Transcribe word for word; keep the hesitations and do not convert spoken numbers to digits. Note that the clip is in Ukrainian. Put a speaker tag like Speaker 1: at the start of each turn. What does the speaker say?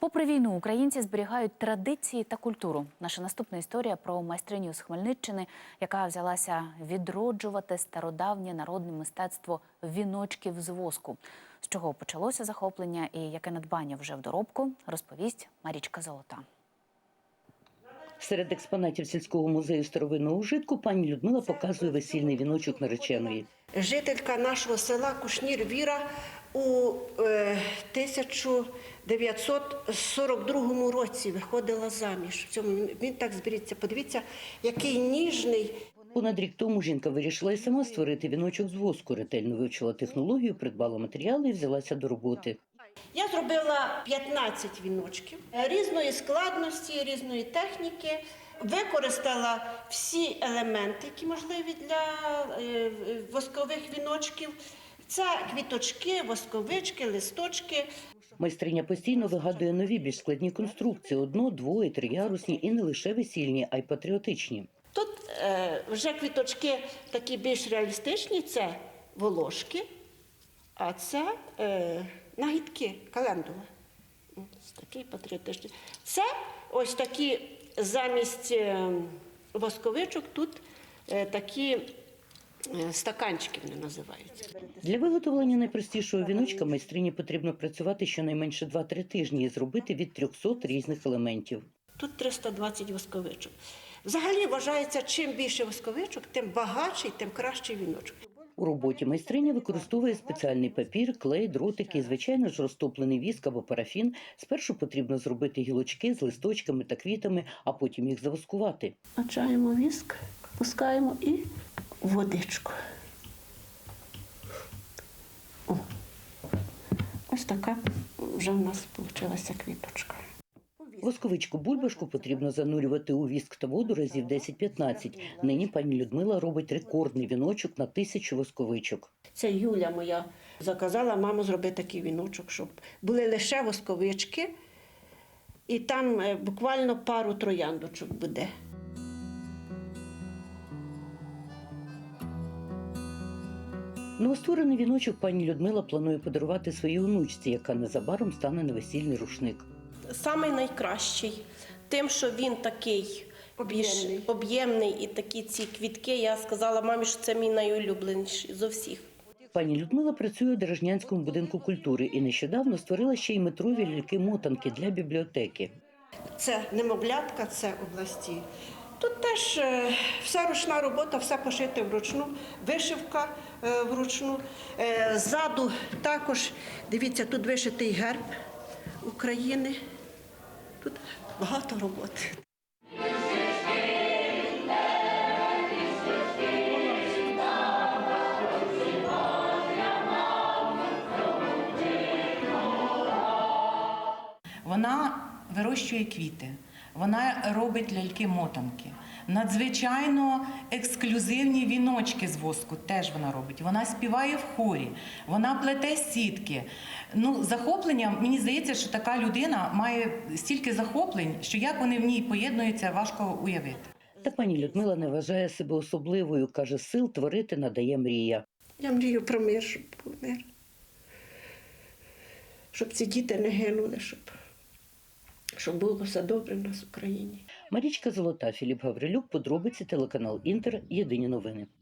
Speaker 1: Попри війну, українці зберігають традиції та культуру. Наша наступна історія про майстриню з Хмельниччини, яка взялася відроджувати стародавнє народне мистецтво віночків з воску. З чого почалося захоплення і яке надбання вже в доробку, розповість Марічка Золота.
Speaker 2: Серед експонатів сільського музею старовинного ужитку пані Людмила показує весільний віночок нареченої.
Speaker 3: Жителька нашого села Кушнір Віра у е, тисяча дев'ятсот сорок другому році виходила заміж. В цьому він так зберіться. Подивіться, який ніжний.
Speaker 2: Понад рік тому жінка вирішила і сама створити віночок з воску. Ретельно вивчила технологію, придбала матеріали і взялася до роботи.
Speaker 3: Я зробила п'ятнадцять віночків різної складності, різної техніки. Використала всі елементи, які можливі для воскових віночків. Це квіточки, восковички, листочки.
Speaker 2: Майстриня постійно вигадує нові, більш складні конструкції. Одно-, дво- і триярусні, і не лише весільні, а й патріотичні.
Speaker 3: Тут е, вже квіточки такі більш реалістичні, це волошки, а це е, нагідки, календула. Ось такий патріотичний. Це ось такі замість е, восковичок, тут е, такі е, стаканчики вони називаються.
Speaker 2: Для виготовлення найпростішого віночка майстрині потрібно працювати щонайменше два-три тижні і зробити від трьохсот різних елементів.
Speaker 3: Тут триста двадцять восковичок. Взагалі вважається, чим більше восковичок, тим багатший, тим кращий віночок.
Speaker 2: У роботі майстриня використовує спеціальний папір, клей, дротики і, звичайно ж, розтоплений віск або парафін. Спершу потрібно зробити гілочки з листочками та квітами, а потім їх завоскувати.
Speaker 3: Качаємо віск, пускаємо і водичку. О, ось така вже в нас вийшла квіточка.
Speaker 2: Восковичку-бульбашку потрібно занурювати у віск та воду разів десять-п'ятнадцять. Нині пані Людмила робить рекордний віночок на тисячу восковичок.
Speaker 3: Це Юля моя заказала маму зробити такий віночок, щоб були лише восковички, і там буквально пару трояндочок буде.
Speaker 2: Новостворений віночок пані Людмила планує подарувати своїй онучці, яка незабаром стане на весільний рушник.
Speaker 4: Самий найкращий, тим, що він такий більш об'ємний і такі ці квітки, я сказала мамі, що це мій найулюбленіший зо всіх.
Speaker 2: Пані Людмила працює у Дорожнянському будинку культури і нещодавно створила ще й метрові ляльки-мотанки для бібліотеки.
Speaker 3: Це немовлятка, це області. Тут теж е, вся ручна робота, все пошите вручну, вишивка е, вручну. Е, ззаду також, дивіться, тут вишитий герб України. Тут багато роботи.
Speaker 5: Вона вирощує квіти, вона робить ляльки-мотанки. Надзвичайно ексклюзивні віночки з воску теж вона робить. Вона співає в хорі, вона плете сітки. Ну, захоплення, мені здається, що така людина має стільки захоплень, що як вони в ній поєднуються, важко уявити.
Speaker 2: Та пані Людмила не вважає себе особливою. Каже, сил творити надає мрія.
Speaker 3: Я мрію про мир, щоб був мир. Щоб ці діти не гинули, щоб, щоб було все добре в нас в Україні.
Speaker 2: Марічка Золота, Філіп Гаврилюк, подробиці, телеканал Інтер, єдині новини.